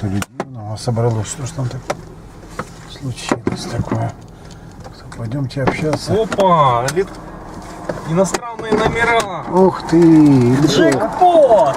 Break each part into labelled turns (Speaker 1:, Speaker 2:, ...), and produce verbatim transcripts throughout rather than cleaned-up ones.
Speaker 1: багато людей. Ну, собралось, что ж там так случилось такое. Пойдемте общаться.
Speaker 2: Опа! Лет... Иностранные номера!
Speaker 1: Ух ты!
Speaker 2: Джекпот!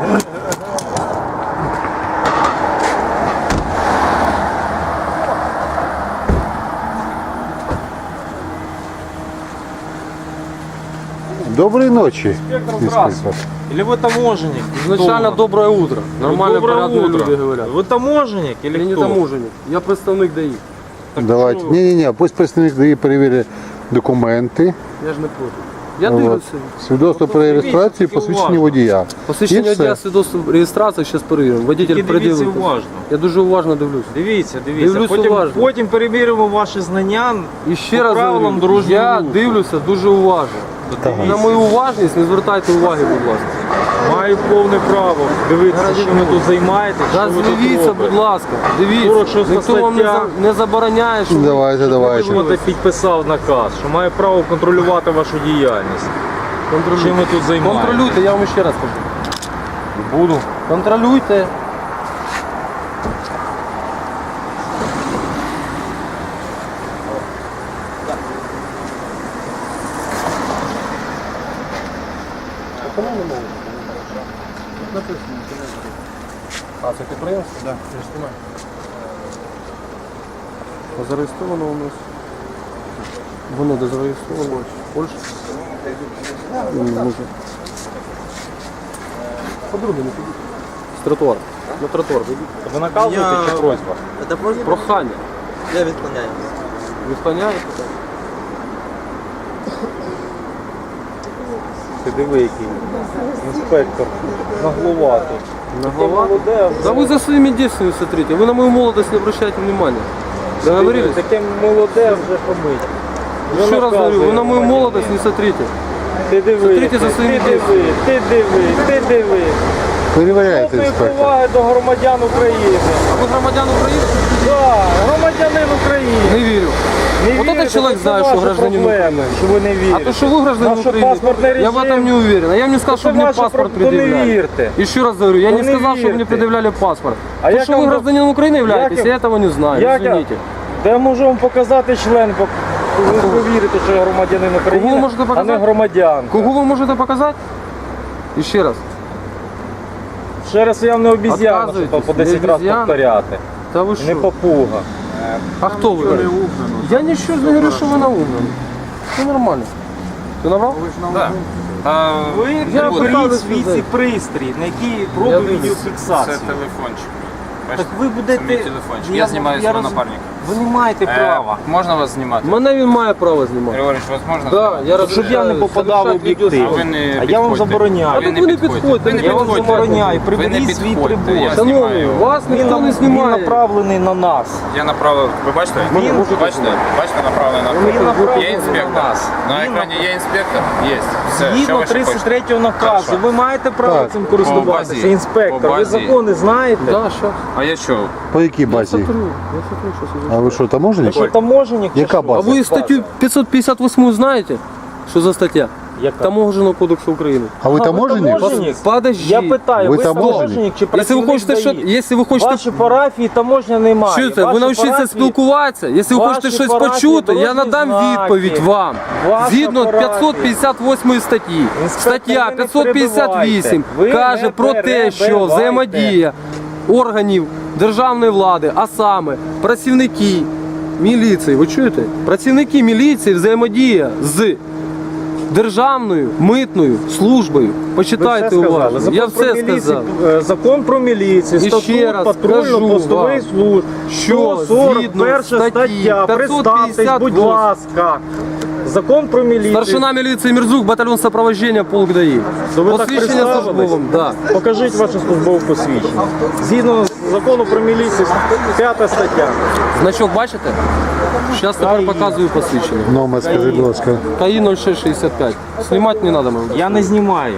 Speaker 1: Доброй ночи,
Speaker 2: Инспектор,
Speaker 1: инспектор.
Speaker 2: здравствуйте. Или вы таможенник?
Speaker 3: Изначально
Speaker 2: Кто?
Speaker 3: доброе утро. Нормально,
Speaker 2: Доброе
Speaker 3: порядные
Speaker 2: утро.
Speaker 3: люди говорят.
Speaker 2: Вы таможенник или
Speaker 3: Я не
Speaker 2: кто?
Speaker 3: таможенник, я представник ДАІ.
Speaker 1: Давайте.
Speaker 2: що?
Speaker 1: Ні-ні-ні, пусть представник ДАІ перевірить документи,
Speaker 3: Я ж не проти. Я
Speaker 1: от,
Speaker 3: дивлюся.
Speaker 1: свідоцтво про реєстрацію,
Speaker 2: Дивіться,
Speaker 1: посвідчення
Speaker 2: уважно.
Speaker 1: водія.
Speaker 3: Посвідчення
Speaker 1: І все.
Speaker 3: водія, свідоцтво реєстрації, зараз перевіримо. Водитель
Speaker 2: Тільки дивіться
Speaker 3: приділив.
Speaker 2: уважно.
Speaker 3: Я дуже уважно дивлюся.
Speaker 2: Дивіться, дивіться.
Speaker 3: Дивлюсь
Speaker 2: Потім,
Speaker 3: уважно.
Speaker 2: потім перевіримо ваші знання
Speaker 3: І ще
Speaker 2: по
Speaker 3: раз
Speaker 2: правилам
Speaker 3: говорю,
Speaker 2: дорожнього
Speaker 3: я
Speaker 2: руху.
Speaker 3: дивлюся дуже уважно. На мою уважність не звертайте уваги, будь ласка.
Speaker 2: Маю повне право дивитися, що ви тут займаєтесь, що ви тут
Speaker 3: Дивіться,
Speaker 2: робите.
Speaker 3: будь ласка, дивіться.
Speaker 2: сорок шоста
Speaker 3: Ніхто вам не,
Speaker 2: стаття.
Speaker 3: за- не забороняє, що ви-
Speaker 1: Давайте,
Speaker 3: щоб ви
Speaker 1: давайте.
Speaker 3: дивилися.
Speaker 2: От підписав наказ, що має право контролювати вашу діяльність.
Speaker 3: Контролюйте.
Speaker 2: Чим ви тут займаєтесь?
Speaker 3: Контролюйте, я вам ще раз кажу.
Speaker 2: Буду.
Speaker 3: Контролюйте. А, це підприємство? Так. Да. Зареєстровано у нас. Воно де зареєстровано? Польща? Може. Подруги не підіть. З тротуару. На тротуар вийдіть.
Speaker 2: Ви наказуєте
Speaker 4: Я-
Speaker 2: чи просьба?
Speaker 4: Это просьба?
Speaker 3: Прохання.
Speaker 4: Я відклоняю.
Speaker 3: Відклоняєте? так?
Speaker 2: Ти диви, який інспектор наглуватий.
Speaker 3: На голова?
Speaker 2: Молоде,
Speaker 3: Да вы за своими действиями смотрите. Вы на мою молодость не обращайте внимания. Договорились?
Speaker 2: Таке молоде вже помить. Вже
Speaker 3: Еще раз говорю,
Speaker 2: наказує
Speaker 3: вы на мою
Speaker 2: громадянина.
Speaker 3: молодость не смотрите.
Speaker 2: Ти диви,
Speaker 3: Смотрите за
Speaker 2: ти
Speaker 3: своїми
Speaker 2: диви, ти диви, ти диви.
Speaker 1: Перевіряйте,
Speaker 2: Жодної
Speaker 1: інспектор.
Speaker 2: поваги до громадян України.
Speaker 3: А вы громадян України?
Speaker 2: Так, громадянин України.
Speaker 3: Не верю.
Speaker 2: Не
Speaker 3: Вот
Speaker 2: вірите,
Speaker 3: этот человек
Speaker 2: це
Speaker 3: знает,
Speaker 2: ваші
Speaker 3: что гражданин
Speaker 2: проблеми,
Speaker 3: Украины.
Speaker 2: що ви не вірите.
Speaker 3: А то, что вы гражданин
Speaker 2: Наш
Speaker 3: Украины,
Speaker 2: паспортний
Speaker 3: я в этом
Speaker 2: режим.
Speaker 3: не уверен. А я вам не сказал,
Speaker 2: Это
Speaker 3: чтобы мне
Speaker 2: ваше
Speaker 3: паспорт
Speaker 2: прав- то не
Speaker 3: предъявляли.
Speaker 2: верьте.
Speaker 3: Еще раз говорю, я
Speaker 2: То
Speaker 3: не
Speaker 2: не
Speaker 3: сказал, чтобы мне
Speaker 2: верьте.
Speaker 3: предъявляли паспорт.
Speaker 2: А
Speaker 3: то,
Speaker 2: як
Speaker 3: что
Speaker 2: я
Speaker 3: вы
Speaker 2: вам-
Speaker 3: гражданин Украины являетесь,
Speaker 2: як
Speaker 3: я
Speaker 2: я-
Speaker 3: этого не знаю,
Speaker 2: як я-
Speaker 3: извините.
Speaker 2: Та я можу вам показати член, бо ви повірите, що я громадянин України,
Speaker 3: Кого ви можете
Speaker 2: а не
Speaker 3: показати?
Speaker 2: громадян.
Speaker 3: Кого вы можете показать? Еще раз.
Speaker 2: Ще раз я вам не обіз'яна, щоб
Speaker 3: Отказуєтесь?
Speaker 2: по десять
Speaker 3: Не
Speaker 2: разів
Speaker 3: обіз'яна?
Speaker 2: повторяти.
Speaker 3: Да вы
Speaker 2: Не
Speaker 3: что?
Speaker 2: попуга.
Speaker 3: А кто вы? Я ничего не говорю, что вы на угнали. Все нормально. Ты набрал?
Speaker 5: Так. А,
Speaker 2: Ви
Speaker 3: Я
Speaker 2: беріть
Speaker 3: питаюсь
Speaker 2: свій
Speaker 3: сказати.
Speaker 2: цей пристрій, на який
Speaker 3: Я
Speaker 2: робить
Speaker 3: дивлюсь.
Speaker 5: це
Speaker 2: відеофіксацію.
Speaker 5: телефончик.
Speaker 2: Так
Speaker 5: Бачите?
Speaker 2: ви
Speaker 5: Це мій
Speaker 2: будете...
Speaker 5: телефончик. Я знімаю свого
Speaker 2: роз-
Speaker 5: напарника.
Speaker 2: Ви не маєте
Speaker 5: Е,
Speaker 2: права.
Speaker 5: Можна вас знімати?
Speaker 3: Мене він має право знімати.
Speaker 5: Григорій, вас можна
Speaker 3: Да,
Speaker 5: знімати?
Speaker 3: я
Speaker 2: Щоб я не попадав в об'єктив.
Speaker 5: А ви не
Speaker 2: А я вам
Speaker 5: підходьте.
Speaker 2: забороняю.
Speaker 3: А
Speaker 5: Ви
Speaker 3: так
Speaker 5: не
Speaker 3: ви не
Speaker 5: підходьте.
Speaker 3: підходьте,
Speaker 5: Ви не
Speaker 3: я вам
Speaker 5: підходьте.
Speaker 2: забороняю.
Speaker 5: Ви не
Speaker 2: Приберіть свій
Speaker 5: підходьте.
Speaker 2: прибор.
Speaker 5: Я
Speaker 3: Шановний,
Speaker 5: знімаю.
Speaker 3: вас
Speaker 2: Він,
Speaker 3: ніхто не
Speaker 2: він
Speaker 3: знімає.
Speaker 2: направлений на нас.
Speaker 5: Я направив. Ви бачите?
Speaker 2: Він-
Speaker 5: Ви бачите? Бачите, направлений на
Speaker 2: Він направлений
Speaker 5: Є
Speaker 2: на
Speaker 5: інспектор.
Speaker 2: нас.
Speaker 5: На
Speaker 2: Він
Speaker 5: екрані є інспектор? Є. Все. Що
Speaker 2: Згідно
Speaker 5: ви ще
Speaker 2: тридцять
Speaker 5: хочете?
Speaker 2: третього наказу,
Speaker 5: Хорошо.
Speaker 2: ви маєте право
Speaker 1: Так.
Speaker 2: цим
Speaker 5: По
Speaker 2: користуватися.
Speaker 5: базі-
Speaker 2: Інспектор,
Speaker 5: по
Speaker 2: ви
Speaker 5: базі-
Speaker 2: закони знаєте?
Speaker 3: Да, що?
Speaker 5: А я що?
Speaker 1: По якій
Speaker 3: Я
Speaker 1: базі?
Speaker 3: смотрю, я смотрю, що
Speaker 1: А ви що, таможенник?
Speaker 2: Що таможенник? чи
Speaker 1: Яка
Speaker 2: що?
Speaker 1: база?
Speaker 3: А ви статтю п'ятсот п'ятдесят восьму знаєте? Що за стаття?
Speaker 2: Яка?
Speaker 3: Таможенного кодексу України.
Speaker 1: А ви
Speaker 2: А, ви
Speaker 1: таможенник?
Speaker 2: таможенник?
Speaker 3: Подожди.
Speaker 2: Я питаю,
Speaker 1: Ви
Speaker 2: ви,
Speaker 1: таможенник?
Speaker 2: таможенник чи
Speaker 3: Якщо ви
Speaker 2: працівник
Speaker 3: хочете, що,
Speaker 2: ДАІ?
Speaker 3: якщо ви хочете,
Speaker 2: Ваші парафії таможня немає.
Speaker 3: що це, ви
Speaker 2: Ваші
Speaker 3: навчіться
Speaker 2: парафії-
Speaker 3: спілкуватися? Якщо ви
Speaker 2: ваші
Speaker 3: хочете щось
Speaker 2: парафії,
Speaker 3: почути, я
Speaker 2: дорожні
Speaker 3: надам
Speaker 2: знаки.
Speaker 3: відповідь вам.
Speaker 2: Ваша
Speaker 3: Згідно
Speaker 2: парафія.
Speaker 3: п'ятсот п'ятдесят восьмої статті.
Speaker 2: Інспектор,
Speaker 3: Стаття
Speaker 2: ви не
Speaker 3: п'ятсот п'ятдесят вісім
Speaker 2: перебивайте. Ви
Speaker 3: каже
Speaker 2: не
Speaker 3: про те, що
Speaker 2: перебивайте.
Speaker 3: взаємодія органів державної влади, а саме працівники міліції, ви чуєте? Працівники міліції взаємодія з державною митною службою.
Speaker 2: Ви
Speaker 3: Почитайте
Speaker 2: все сказали.
Speaker 3: уважно.
Speaker 2: Закон
Speaker 3: Я
Speaker 2: про
Speaker 3: все
Speaker 2: міліцію,
Speaker 3: сказав.
Speaker 2: е, Закон про міліцію,
Speaker 3: І ще
Speaker 2: статут
Speaker 3: раз кажу
Speaker 2: патрульно-постової
Speaker 3: вам,
Speaker 2: служби.
Speaker 3: що
Speaker 2: сто сорок
Speaker 3: згідно
Speaker 2: перша
Speaker 3: статті
Speaker 2: стаття.
Speaker 3: п'ятсот
Speaker 2: Представтесь,
Speaker 3: п'ятдесят
Speaker 2: будь
Speaker 3: восьмої.
Speaker 2: ласка. Закон про міліцію.
Speaker 3: Старшина міліції Мірзук, батальйон сопровождення, полк ДАІ.
Speaker 2: То ви так
Speaker 3: Посвідчення
Speaker 2: представились?
Speaker 3: службовим, да.
Speaker 2: Покажіть ваше службове посвідчення. Згідно закону про міліцію, п'ята стаття.
Speaker 3: Значок бачите? Зараз тепер показую посвідчення.
Speaker 1: Номер, скажи, будь ласка.
Speaker 3: КАІ нуль шість шістдесят п'ять. Знімати не треба, мабуть.
Speaker 2: Я не знімаю.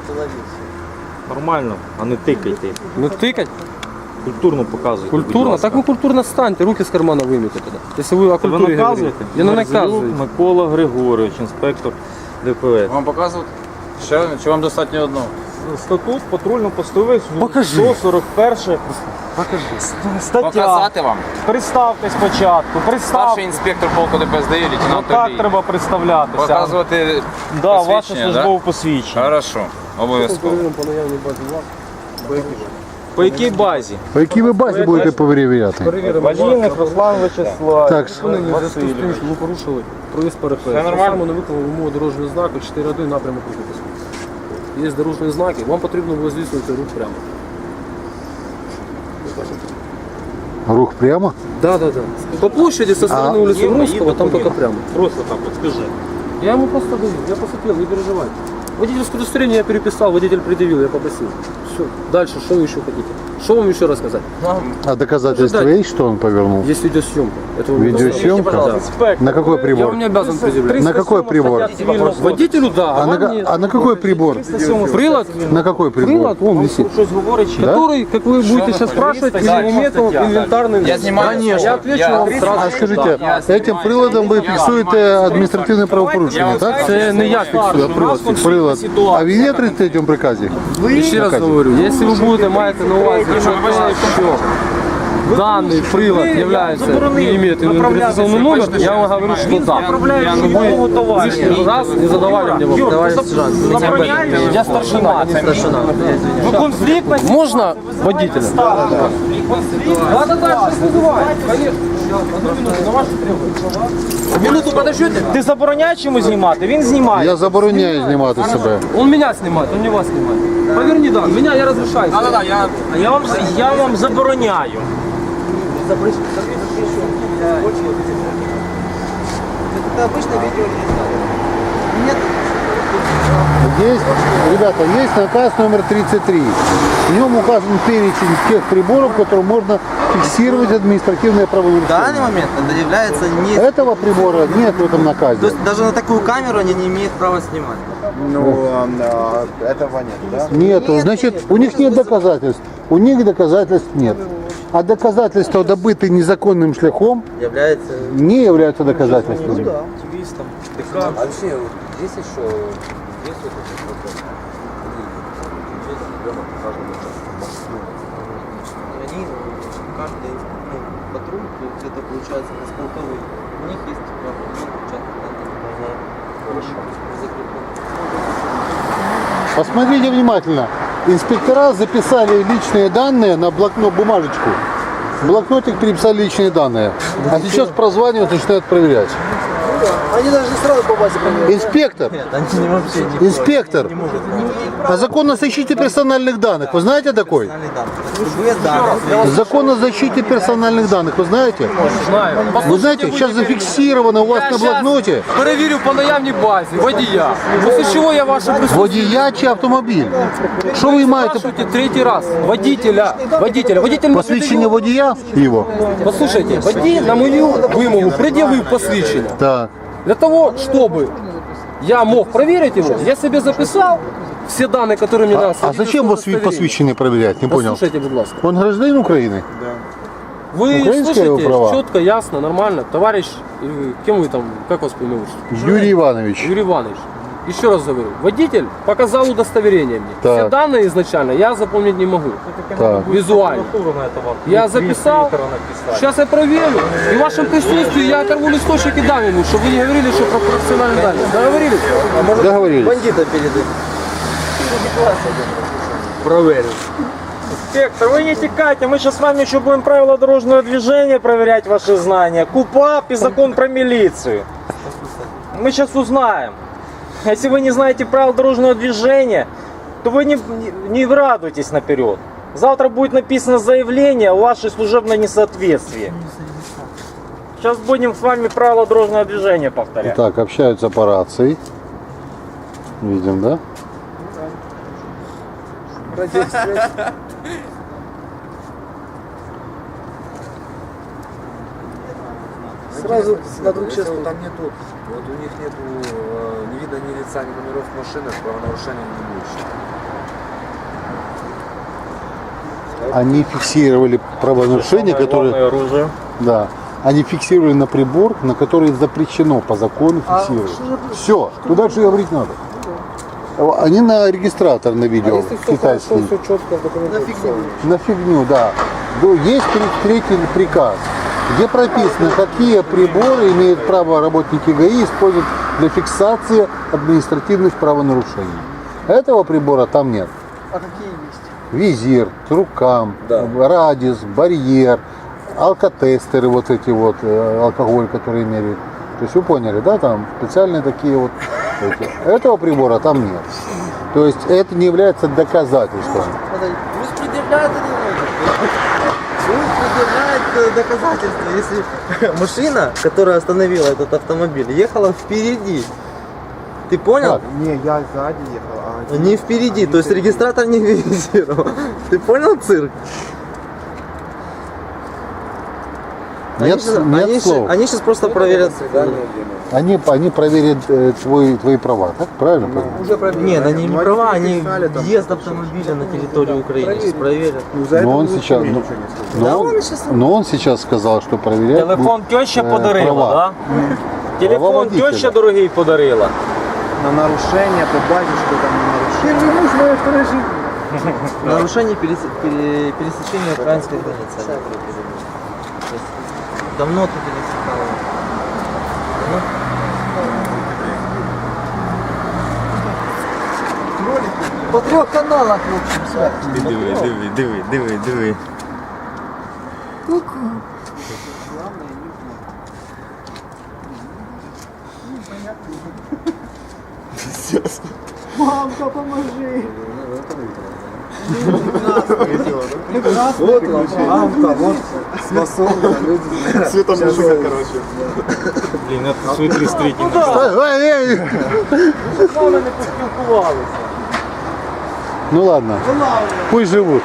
Speaker 2: Нормально, а не тикайте.
Speaker 3: Не тикать?
Speaker 2: Культурно показуйте. будь
Speaker 3: Культурно?
Speaker 2: ласка.
Speaker 3: Так ви культурно станьте, руки з кармана виймете тоді. Якщо ви о
Speaker 2: Ви
Speaker 3: культурі говорите.
Speaker 2: наказуєте?
Speaker 3: Я не
Speaker 2: Мерзлюк
Speaker 3: наказую.
Speaker 2: Микола Григорович, інспектор ДПС.
Speaker 5: Вам показувати? Ще чи вам достатньо одного?
Speaker 2: статут патрульно-постових
Speaker 3: Покажи.
Speaker 2: сто сорок перше
Speaker 3: Покажи.
Speaker 2: стаття.
Speaker 5: Показати вам?
Speaker 2: Представте спочатку, представте.
Speaker 5: Старший інспектор полку ДПСД, лейтенант
Speaker 2: Так
Speaker 5: Олій.
Speaker 2: треба представлятися.
Speaker 5: Показувати
Speaker 2: Да, ваше
Speaker 5: посвідчення,
Speaker 2: службове посвідчення.
Speaker 5: Хорошо, обов'язково.
Speaker 3: По наявній базі власності.
Speaker 2: По якій базі?
Speaker 1: По якій ви базі будете перевіряти?
Speaker 2: Валійник Руслан Вячеслав.
Speaker 1: Так,
Speaker 2: Васильович.
Speaker 3: Ми порушили проїзд перехрестя.
Speaker 2: Це нормально?
Speaker 3: Саме не виконали вимогу дорожнього знаку чотири один напрямок руху посвідчення. Є дорожні знаки, вам потрібно було здійснювати рух прямо.
Speaker 1: рух прямо?
Speaker 3: Да, да, да. По площади со стороны
Speaker 1: А,
Speaker 3: улицы Русского, там только прямо.
Speaker 2: Просто так от скажи.
Speaker 3: Я ему просто даю, я посмотрел, не переживайте. Водительское удостоверение я переписал, водитель предъявил, я попросил. Все. Дальше, что вы еще хотите? Что вам еще рассказать?
Speaker 1: А доказательства
Speaker 3: Ожидать.
Speaker 1: есть, что он повернул?
Speaker 3: Есть видеосъемка. Это вы
Speaker 1: Видеосъемка?
Speaker 3: Да.
Speaker 2: Інспектор,
Speaker 1: На какой
Speaker 3: Я
Speaker 1: прибор?
Speaker 3: вам не обязан предъявлять.
Speaker 1: На какой прибор?
Speaker 3: Водителю да, а,
Speaker 1: А на,
Speaker 3: вам
Speaker 1: ка-
Speaker 3: нет.
Speaker 1: а на какой прибор?
Speaker 3: Прилад,
Speaker 1: На какой прибор?
Speaker 3: прилад, вон висит.
Speaker 2: щось говорить, чи
Speaker 3: Который, как вы будете сейчас спрашивать,
Speaker 2: Да,
Speaker 3: имеет он инвентарный.
Speaker 5: Я снимаю.
Speaker 3: Конечно. Я отвечу
Speaker 5: Я-
Speaker 3: вам сразу.
Speaker 1: А скажите,
Speaker 5: Я
Speaker 1: этим приладом вы фиксуете административное правопорушение, так?
Speaker 3: Це не я фіксую, а прилад фіксує.
Speaker 1: Прилад. А він є в тридцять третьому приказі?
Speaker 3: Ще раз говорю, если вы будете маєте на увазі, що все, даний прилад является, не имеет идентификационный номер, я вам говорю, что да. Чтобы вы лишний раз не задавали мне вопрос. Товарищ сержант, вы не об этом. Я старшина, я не старшина.
Speaker 2: ви конфліктна
Speaker 3: Можно водителя? Да, да, да, сейчас вызываю. Конечно. Одну минуту, на вашу требование. Минуту подождете?
Speaker 2: Ти забороняєш йому знімати? Він знімає.
Speaker 1: Я забороняю знімати себе.
Speaker 3: Он меня снимает, он не вас снимает. Поверни, да, меня я разрешаю.
Speaker 5: Да, да, да, я...
Speaker 2: А я вам, я вам забороняю.
Speaker 4: Это обычно видео нет.
Speaker 1: Есть, ребята, есть наказ номер тридцать три. В нем указан перечень тех приборов, которым можно фиксировать административное
Speaker 4: В
Speaker 1: правонарушение.
Speaker 4: данный момент это является не...
Speaker 1: Этого прибора нет в этом
Speaker 4: То
Speaker 1: наказе.
Speaker 4: есть даже на такую камеру они не имеют права снимать.
Speaker 1: Нету. Значит, у них нет доказательств. У них доказательств нет. А доказательства, добытые незаконным шляхом,
Speaker 4: Является...
Speaker 1: не являются доказательствами.
Speaker 4: А вообще, здесь еще есть вот этот вопрос. Есть ребенок каждого участка. Они каждый ну, патруль, то есть это получается на полковый. У них есть право, они участок закреплен.
Speaker 1: Посмотрите внимательно. Инспектора записали личные данные на блокнот, бумажечку. В блокнотик переписали личные данные. А сейчас прозванивают и начинают проверять.
Speaker 4: Они даже сразу по базе поняли.
Speaker 1: Инспектор,
Speaker 4: Нет, они вообще не
Speaker 1: инспектор, а закон о защите персональных данных, вы знаете такой?
Speaker 4: Любые данные.
Speaker 1: Закон о защите персональных данных, вы знаете?
Speaker 3: Знаю.
Speaker 1: Вы знаете, сейчас зафиксировано у вас на блокноте
Speaker 3: Перевірю по наявній базі водія. Після чого я ваше присутствие
Speaker 1: водія чи автомобіль. Що ви маєте?
Speaker 3: спрашиваете третий раз. Водителя. Водителя. Водитель не
Speaker 1: Посвідчення водія його?
Speaker 3: предъявил. Послушайте, водій на мою вимогу пред'явив посвідчення.
Speaker 1: Так.
Speaker 3: Для того, чтобы я мог проверить его, я себе записал все данные, которые мне надо.
Speaker 1: А зачем вас вид посвідчення проверять? Не понял.
Speaker 3: Послушайте, будь ласка.
Speaker 1: Он гражданин Украины?
Speaker 3: Вы
Speaker 1: Украинские
Speaker 3: слышите
Speaker 1: права?
Speaker 3: четко, ясно, нормально. Товарищ, или вы- кем вы там, как вас поимеете?
Speaker 1: Юрий Иванович.
Speaker 3: Юрий Иванович. Еще раз говорю, водитель показал удостоверение мне.
Speaker 1: Так.
Speaker 3: Все данные изначально я запомнить не могу.
Speaker 1: Так.
Speaker 3: Визуально. Я записал, сейчас я проверю. И в вашем присутствии я оторву листочек и дам ему, чтобы вы не говорили, что про профессиональные данные. Договорились?
Speaker 1: Договорились.
Speaker 4: Бандита передают.
Speaker 3: Проверю.
Speaker 2: Инспектор, вы не текайте, мы сейчас с вами еще будем правила дорожного движения проверять ваши знания. КУПАП и закон про милицию. Мы сейчас узнаем. Если вы не знаете правил дорожного движения, то вы не, не, не радуйтесь наперед. Завтра будет написано заявление о вашей служебной несоответствии. Сейчас будем с вами правила дорожного движения повторять.
Speaker 1: Так, общаются по рации. Видим, да?
Speaker 4: Сразу на двух
Speaker 6: Если вот там нету, вот у них нету э, ни вида, ни лица, ни номеров машины, правонарушения не будет.
Speaker 1: Они фиксировали правонарушения, которые...
Speaker 2: оружие.
Speaker 1: Да. Они фиксировали на прибор, на который запрещено по закону фиксировать. Все, что дальше говорить надо? Они на регистратор на видео,
Speaker 6: Если все
Speaker 1: китайский.
Speaker 6: хорошо, все четко в документации.
Speaker 1: На фигню, да. Ну, есть тридцать третий приказ, где прописано, какие приборы имеют право работники ГАИ использовать для фиксации административных правонарушений. Этого прибора там нет.
Speaker 7: А какие есть?
Speaker 1: Визир, рукам,
Speaker 6: Да.
Speaker 1: радиус, барьер, алкотестеры, вот эти вот, э, алкоголь, который меряют. То есть вы поняли, да, там специальные такие вот эти. Этого прибора там нет. То есть это не является доказательством.
Speaker 4: Пусть предъявляет это Пусть предъявляет э, доказательства, если машина, которая остановила этот автомобиль, ехала впереди. Ты понял?
Speaker 1: Как?
Speaker 7: Не, я сзади ехал. А
Speaker 4: Не впереди, то есть регистратор не визировал. Ты понял цирк?
Speaker 1: Нет,
Speaker 4: они, щас-
Speaker 1: нет
Speaker 4: они,
Speaker 1: слов.
Speaker 4: щас- они сейчас просто проверят.
Speaker 1: Они, они проверят э, твой, твои права, так? Правильно? понимаю?
Speaker 7: уже проверили.
Speaker 4: Нет, они не
Speaker 7: Ну,
Speaker 4: права,
Speaker 7: они
Speaker 4: они
Speaker 7: написали там,
Speaker 4: въезд
Speaker 7: что-
Speaker 4: автомобиля на территорию Украины сейчас проверят.
Speaker 7: Ну, за это
Speaker 1: Но он
Speaker 7: вообще
Speaker 1: сейчас,
Speaker 7: мне
Speaker 1: ну,
Speaker 7: ничего не сказал.
Speaker 1: но
Speaker 4: Да
Speaker 1: он,
Speaker 4: он сейчас-
Speaker 1: но он сейчас сказал, что проверять
Speaker 2: Телефон
Speaker 1: будут,
Speaker 2: теща
Speaker 1: э,
Speaker 2: подарила,
Speaker 1: права.
Speaker 2: да? Телефон
Speaker 1: водителя.
Speaker 2: теща дорогий подарила.
Speaker 7: На нарушение, по базе, что там на нарушение. Первый муж моей второй жизни.
Speaker 4: Нарушение перес- пере- пересечения украинской границы. они проверили. То есть давно ты пересекал. По трех каналах, в общем, все.
Speaker 8: Диви, диви, диви, диви, диви.
Speaker 7: Мамка, поможи.
Speaker 6: Вот лампа, вот способна, люди знают.
Speaker 8: Света мужика, короче.
Speaker 2: Блін, це свої тридцять третій.
Speaker 1: Ой, эй, эй.
Speaker 2: З нами не поспілкувалися.
Speaker 1: Ну ладно, пусть живут.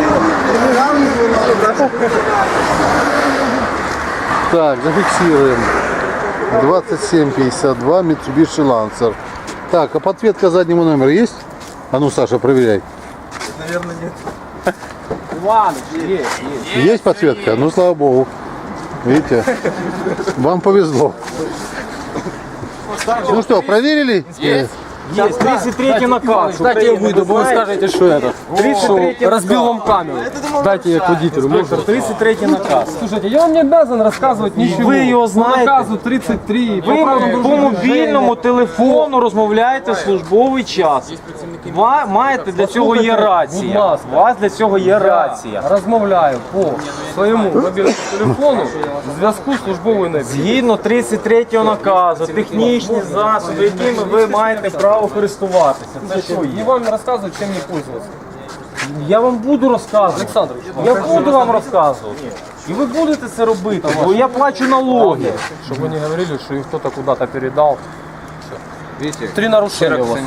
Speaker 1: Так, зафиксируем. двадцать семь пятьдесят два Mitsubishi Lancer. Так, а подсветка заднего номера есть? А ну, Саша, проверяй.
Speaker 4: Наверное, нет.
Speaker 2: Іванович, є, є.
Speaker 1: Есть подсветка? Ну, слава богу. Видите? Вам повезло. Ну что, проверили?
Speaker 5: Есть.
Speaker 2: Є тридцять третій наказ.
Speaker 3: Кстати, я
Speaker 2: України,
Speaker 3: выйду,
Speaker 2: ви
Speaker 3: бо вы
Speaker 2: знаєте?
Speaker 3: скажете, что это.
Speaker 2: тридцать третий
Speaker 3: Что разбил
Speaker 2: наказ.
Speaker 3: вам камеру. Дайте я к водителю. Можно?
Speaker 2: тридцять третій наказ.
Speaker 3: Слушайте, я вам не обязан рассказывать ничего.
Speaker 2: Ви його
Speaker 3: По
Speaker 2: знаєте.
Speaker 3: наказу тридцать три.
Speaker 2: Ви по мобільному телефону розмовляєте в службовий час. Ви маєте для цього є
Speaker 3: Будь
Speaker 2: рація.
Speaker 3: ласка.
Speaker 2: У вас для цього є рація.
Speaker 3: Розмовляю по своєму мобільному телефону в зв'язку з службовою необхідністю.
Speaker 2: Згідно тридцять третього наказу, технічні засоби, якими ви маєте право користуватися. Це що
Speaker 3: Не
Speaker 2: є?
Speaker 3: вам рассказывать, чем не пользоваться.
Speaker 2: Я вам буду розказувати.
Speaker 3: Александр,
Speaker 2: Я буду вам розказувати. І ви будете це робити, бо я плачу налоги.
Speaker 3: чтобы вы не говорили, что их кто-то куда-то передал.
Speaker 5: Видите?
Speaker 3: Три нарушения у вас.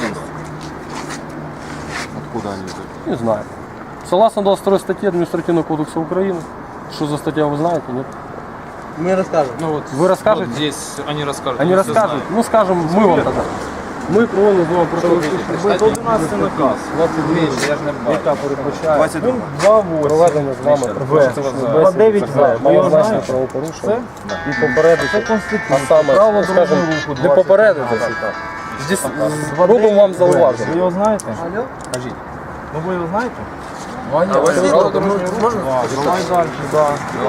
Speaker 1: Откуда они?
Speaker 3: Не знаю. Согласно двадцать второй статье Административного кодекса Украины, что за статья вы знаете, нет?
Speaker 4: Мы расскажем.
Speaker 5: Ну вот,
Speaker 3: Вы расскажете?
Speaker 5: вот здесь они расскажут.
Speaker 3: Они
Speaker 5: мы все
Speaker 3: расскажут? Ну скажем, мы вам тогда. Мы проводимо з вами просто
Speaker 2: одинадцятий наказ.
Speaker 5: знаете. Я ж не бачу.
Speaker 3: яка передбачає
Speaker 2: Пункт два
Speaker 3: проведення з вами
Speaker 2: два дев'ять В. Ви його знаєте?
Speaker 3: правопорушення і попередити.
Speaker 2: Це Конституція.
Speaker 3: А саме,
Speaker 2: Право
Speaker 3: скажімо,
Speaker 2: дорожнього руху.
Speaker 3: не попередити. Здесь робимо вам
Speaker 2: Ви
Speaker 3: зауваження.
Speaker 2: його знаєте?
Speaker 4: Алло?
Speaker 2: Кажіть. Ну ви його знаєте?
Speaker 5: Право дорожнього руху.
Speaker 4: Можно?
Speaker 2: Давай далі, да.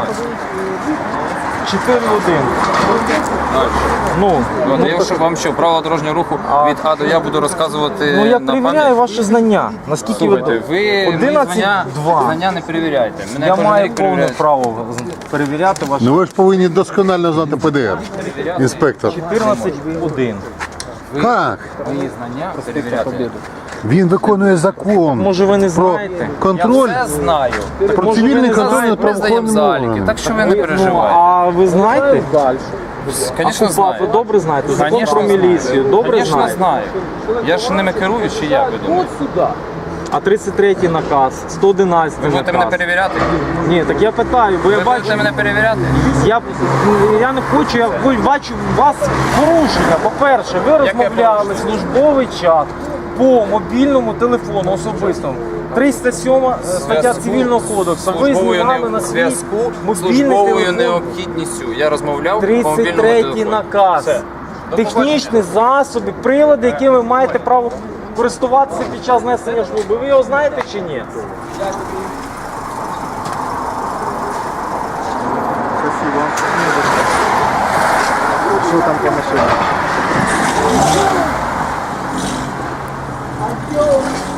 Speaker 2: чотири один. Ну,
Speaker 5: От, я що, вам що, право дорожнього руху від А до Я буду розказувати
Speaker 2: ну я
Speaker 5: на
Speaker 2: перевіряю
Speaker 5: пам'ять?
Speaker 2: ваші знання. Наскільки
Speaker 5: Слухайте,
Speaker 2: ви...
Speaker 5: ви мої
Speaker 2: одинадцять
Speaker 5: знання,
Speaker 2: два.
Speaker 5: знання не перевіряйте. Мене
Speaker 2: Я
Speaker 5: кожен
Speaker 2: маю
Speaker 5: рік
Speaker 2: повне
Speaker 5: перевіряють.
Speaker 2: право перевіряти ваші
Speaker 1: Ну ви ж повинні досконально знати П Д Р, інспектор.
Speaker 2: чотирнадцять один.
Speaker 1: Как?
Speaker 5: Мої знання перевіряти.
Speaker 1: Він виконує закон
Speaker 2: Може ви не
Speaker 1: про
Speaker 2: знаєте?
Speaker 1: контроль,
Speaker 5: Я все знаю.
Speaker 1: про
Speaker 2: може,
Speaker 1: цивільний
Speaker 2: ви не
Speaker 1: контроль
Speaker 2: знаєте,
Speaker 1: над
Speaker 5: Ми здаємо
Speaker 1: правоохоронним
Speaker 5: заліки,
Speaker 1: органом.
Speaker 5: так що ви не
Speaker 2: Ну,
Speaker 5: переживайте.
Speaker 2: а ви знаєте?
Speaker 5: Звісно,
Speaker 2: А КУПАП ви
Speaker 5: знаю.
Speaker 2: добре знаєте? Закон
Speaker 5: Конечно,
Speaker 2: про міліцію. Добре
Speaker 5: Звісно,
Speaker 2: знаєте?
Speaker 5: знаю. Я ж ними керую, чи як ви думаєте?
Speaker 2: А тридцять третій наказ, сто одинадцятий
Speaker 5: Ви будете мене
Speaker 2: наказ.
Speaker 5: перевіряти?
Speaker 2: Ні, так я питаю, бо я
Speaker 5: Ви
Speaker 2: бачу,
Speaker 5: будете мене перевіряти?
Speaker 2: я, я не хочу, я бачу у вас порушення. По-перше, ви розмовляли службовий чат по мобільному телефону особистому. триста сьома стаття
Speaker 5: Зв'язку
Speaker 2: Цивільного кодексу. Ви
Speaker 5: службовою
Speaker 2: знімали
Speaker 5: не-
Speaker 2: на свій
Speaker 5: зв'язку
Speaker 2: мобільний
Speaker 5: службовою
Speaker 2: телефон.
Speaker 5: необхідністю. Я розмовляв по
Speaker 2: тридцять
Speaker 5: мобільному
Speaker 2: третій
Speaker 5: телефону.
Speaker 2: наказ.
Speaker 5: Все.
Speaker 2: технічні засоби, прилади, якими ви маєте право користуватися під час несення служби. Ви його знаєте чи ні?
Speaker 7: Спасибо. Що там по машині?